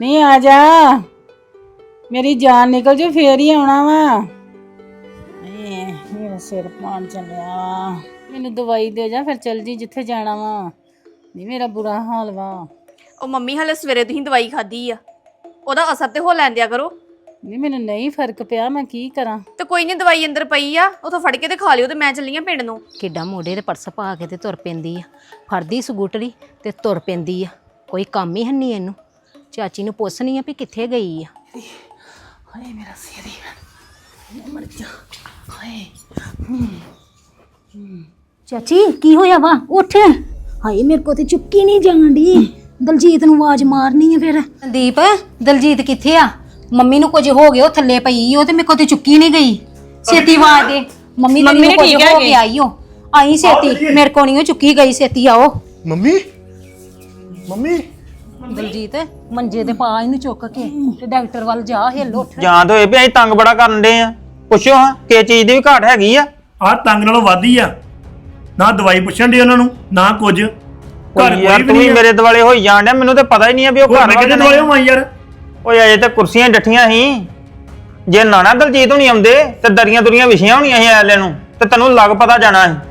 नहीं आ जा मेरी जान निकल जो फिर ही आना वा मेरा सिर पान चलिया मैनू दवाई दे जा फिर चल जी जिथे जाना वा नहीं मेरा बुरा हाल वा ਉਹ ਮੰਮੀ ਹਲੇ ਸਵੇਰੇ ਤੁਸੀਂ ਦਵਾਈ ਖਾਧੀ ਆ ਉਹਦਾ ਅਸਰ ਤੇ ਹੋ ਲੈਂਦਿਆ ਕਰੋ। नहीं मैनू नहीं फर्क पिया मैं की करा ਤੇ ਕੋਈ ਨਹੀਂ ਦਵਾਈ ਅੰਦਰ ਪਈ ਆ ਉਥੋਂ ਫੜ ਕੇ ਤੇ ਖਾ ਲਿਓ ਤੇ ਮੈਂ ਚੱਲੀ ਆ ਪਿੰਡ ਨੂੰ। ਕਿੱਡਾ ਮੋਢੇ ਤੇ ਪਰਸ ਪਾ ਕੇ ਤੇ ਤੁਰ ਪੈਂਦੀ ਆ ਫੜਦੀ ਸਕੂਟਰੀ ਤੇ ਤੁਰ ਪੈਂਦੀ ਆ ਕੋਈ ਕੰਮ ਹੀ ਹੰਨੀ ਇਹਨੂੰ। ਚਾਚੀ ਨੂੰ ਪੁੱਛਣੀ ਆ ਵੀ ਕਿੱਥੇ ਗਈ ਆ। हाय मेरा सिर ही मर जा हाय ਚਾਚੀ ਕੀ ਹੋਇਆ ਵਾ ਉੱਠ। ਹਾਏ ਮੇਰੇ ਕੋ ਤੇ ਚੁੱਕੀ ਨਹੀਂ ਜਾਂਦੀ। ਦਲਜੀਤ ਨੂੰ ਆਵਾਜ਼ ਮਾਰਨੀ ਆ ਫਿਰ। ਸੰਦੀਪ ਦਲਜੀਤ ਕਿੱਥੇ ਆ? ਮੰਮੀ ਨੂੰ ਕੁਝ ਹੋ ਗਿਆ ਉਹ ਥੱਲੇ ਪਈ ਉਹ ਤੇ ਮੇਰੇ ਕੋ ਤੇ ਚੁੱਕੀ ਨਹੀਂ ਗਈ। ਛੇਤੀ ਆਵਾਜ਼ ਦੇ ਮੰਮੀ ਨੂੰ ਕੁਝ ਹੋ ਗਿਆ ਆਈ ਉਹ ਆਈ ਛੇਤੀ ਮੇਰੇ ਕੋ ਨਹੀਂ ਉਹ ਚੁੱਕੀ ਗਈ ਛੇਤੀ ਆਓ। ਮੰਮੀ ਮੰਮੀ ਦਲਜੀਤ ਮੰਜੇ ਤੇ ਪਾ ਇਹਨੂੰ ਚੁੱਕ ਕੇ ਤੇ ਡਾਕਟਰ ਵੱਲ ਜਾ ਹਿੱਲ ਉੱਠ। ਜਾਂ ਤਾਂ ਹੋਏ ਵੀ ਅਸੀਂ ਤੰਗ ਬੜਾ ਕਰਨ ਦੇ ਆ ਪੁੱਛੋ ਹਾਂ ਕਿ ਚੀਜ਼ ਦੀ ਵੀ ਘਾਟ ਹੈਗੀ ਆ। ਆਹ ਤੰਗ ਨਾਲੋਂ ਵੱਧ ਹੀ ਆ ਨਾ ਦਵਾਈ ਪੁੱਛਣ ਦੇ ਉਹਨਾਂ ਨੂੰ ਨਾ ਕੁਝ ਘਰ ਯਾਰ ਕੋਈ ਤੂੰ ਵੀ ਵੀ ਨਹੀਂ ਮੇਰੇ ਦੁਆਲੇ ਹੋਈ ਜਾਣ ਡਿਆ ਮੈਨੂੰ ਤੇ ਪਤਾ ਹੀ ਨਹੀਂ ਆ ਵੀ ਉਹ ਘਰ ਮੈਂ ਕਿਤੇ ਦਵਾਈ ਹੋਵਾਂ ਯਾਰ। ਓਏ ਅਜੇ ਤੇ ਕੁਰਸੀਆਂ ਡੱਠੀਆਂ ਸੀ ਜੇ ਨਾ ਦਲਜੀਤ ਹੋਣੀ ਆਉਂਦੇ ਤੇ ਦਰੀਆਂ ਦੁਰੀਆਂ ਵਿਛੀਆਂ ਹੋਣੀਆਂ ਸੀ ਐਲੇ ਨੂੰ ਤੇ ਤੈਨੂੰ ਲੱਗ ਪਤਾ ਜਾਣਾ ਸੀ।